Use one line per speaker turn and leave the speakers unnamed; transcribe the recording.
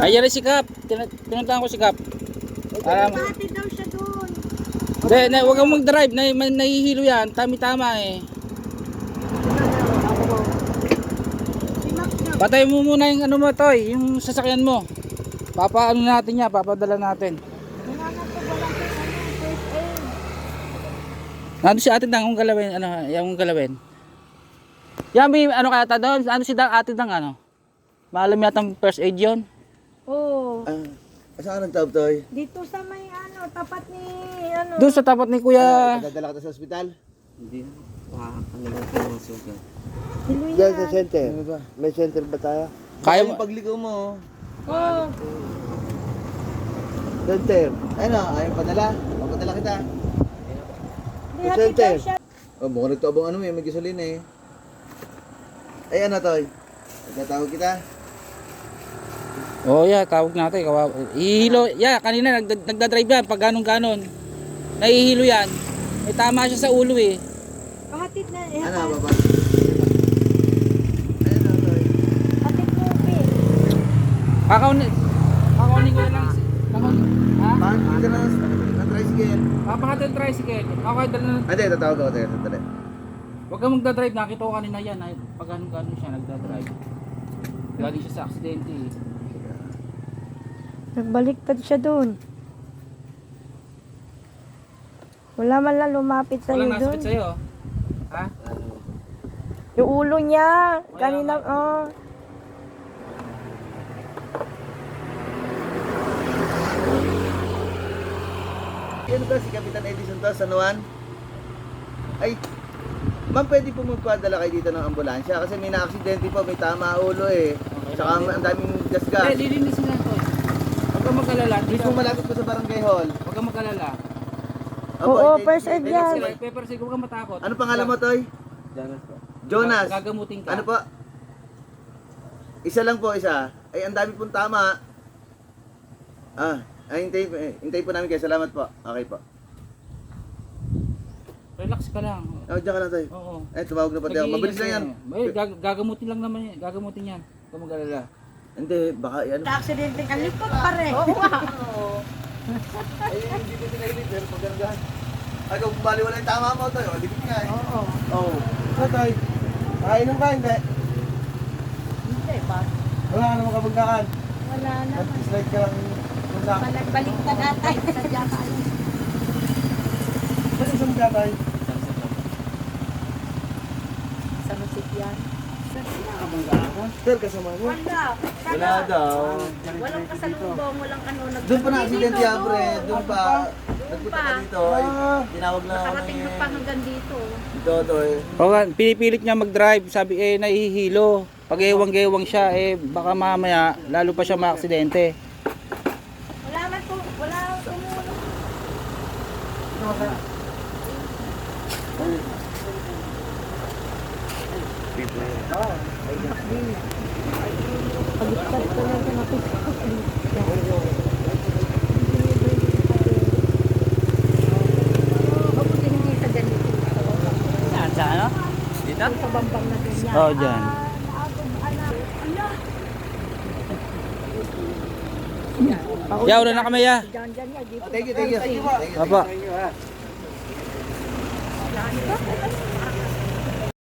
Ayan si Kap. Pinuntahan ko si Kap.
Pati daw siya doon.
Hindi, huwag kang mag-drive. Nahihilo yan. Tami-tama eh. Patay mo muna yung ano mo, Toy. Yung sasakyan mo. Papaano natin yan. Papadala natin. Nandun si Ate Dang. Yung galawin. Ano, yung galawin. Yan, may ano kaya ta doon? Ano si Ate Dang ano? Maalam yatang first aid yun?
Oo.
Saan ka nagtawag, Toy?
Dito sa may ano, tapat ni ano.
Doon sa tapat ni Kuya.
Dadala ka sa ospital?
Hindi. Ano lang po ang sugat.
Hiluya.
Diyan sa center. May center ba tayo?
Kaya
Yung pagligaw mo.
Oo.
Center. Ano, ayaw padala? Papadala kita.
Hindi, hatid daw siya.
Oh, mukhang nagtuabang ano may gasolina eh. Ay ano, Toy? Nagtatawag kita?
Oh yeah, tawag natin. Ihilo. Yeah, kanina nagdadrive yan. Pag ganon-ganon. Nahihilo yan. May tama siya sa ulo eh.
Hatid na.
Ano, baba? Ayan o, Toy.
Hatid mo, Pin.
Kakaunin ko lang. Ha?
Bakit ka na tricycle?
Papakata yung tricycle. Okay, dala na.
Hindi, tatawag ako, Toy. Sandali.
Huwag kang magdadrive. Nakita ko kanina yan. Pag ganon-ganon siya, nagdadrive. Galing siya sa aksidente eh.
Nagbaliktad siya doon. Wala man lang lumapit sa'yo
Walang
doon.
nasabit sa'yo. Ha?
Yung ulo niya.
Wala
Kanina,
nga.
oh.
Ano ba si Kapitan Edison to, San Juan? Ay, ma'am, pwede po magpadala kayo dito ng ambulansya kasi may na-aksidente po, may tama ulo eh. Tsaka ang daming gasgas.
Lilinisin na ito. Huwag kang mag-alala.
Mismo malapit po sa barangay hall.
Huwag kang mag-alala.
Oo,
ay,
first aid
ay,
yan.
ay,
Pepper, sige, huwag kang matakot.
Ano pangalan mo, Toy?
Danas po.
Jonas.
Gagamutin ka.
Ano po? Isa lang po, isa. Ay, ang dami pong tama. Hintayin po namin kayo. Salamat po. Okay po.
Relax ka lang.
Oh, diyan ka lang, Toy.
Oo.
Eh, tumawag na pati ako. Mabilis lang yan.
Gagamutin lang naman yan. Gagamutin yan. Huwag kang mag-alala.
Hindi, baka yan.
Aksidente ka, lipot pa rin. Oo.
Ay, hindi ko pinahilig, pero pagkargahan. Ay, kung baliwala yung tama mo, Toy. O, dikit nga eh.
Oo.
Oo. Ano, Toy? Nakainom ka, hindi?
Hindi ba?
Wala ka naman kabagdakan.
Wala naman.
Slide ka lang.
Panagbaliktad atay. Sadya ka.
Saan isang gatay?
Sa masikyan.
Sir, kasama mo?
Wala.
Wala daw.
Walang kasalubong, walang ano.
Doon pa na-aksidente yan, pre. Doon pa. Nagpunta ka dito. Ay, tinawag na ako
Nakarating na pa hanggang dito.
Dito, Toy.
Oo nga, pinipilit niya mag-drive. Sabi nahihilo. Pag ewang-gewang siya, baka mamaya, lalo pa siya maaksidente.
Wala man po. Wala tumulong. Pagkakad ko lang sa napis. Mabuti hindi sa ganito.
Sa ano?
Sa bambang na ganyan.
Oo, dyan. Ya, ulan na kami ya.
Diyan, diyan yan. Dito.
Thank you, thank you. Thank you.
Apa?
Thank you, ha.
Saan ba?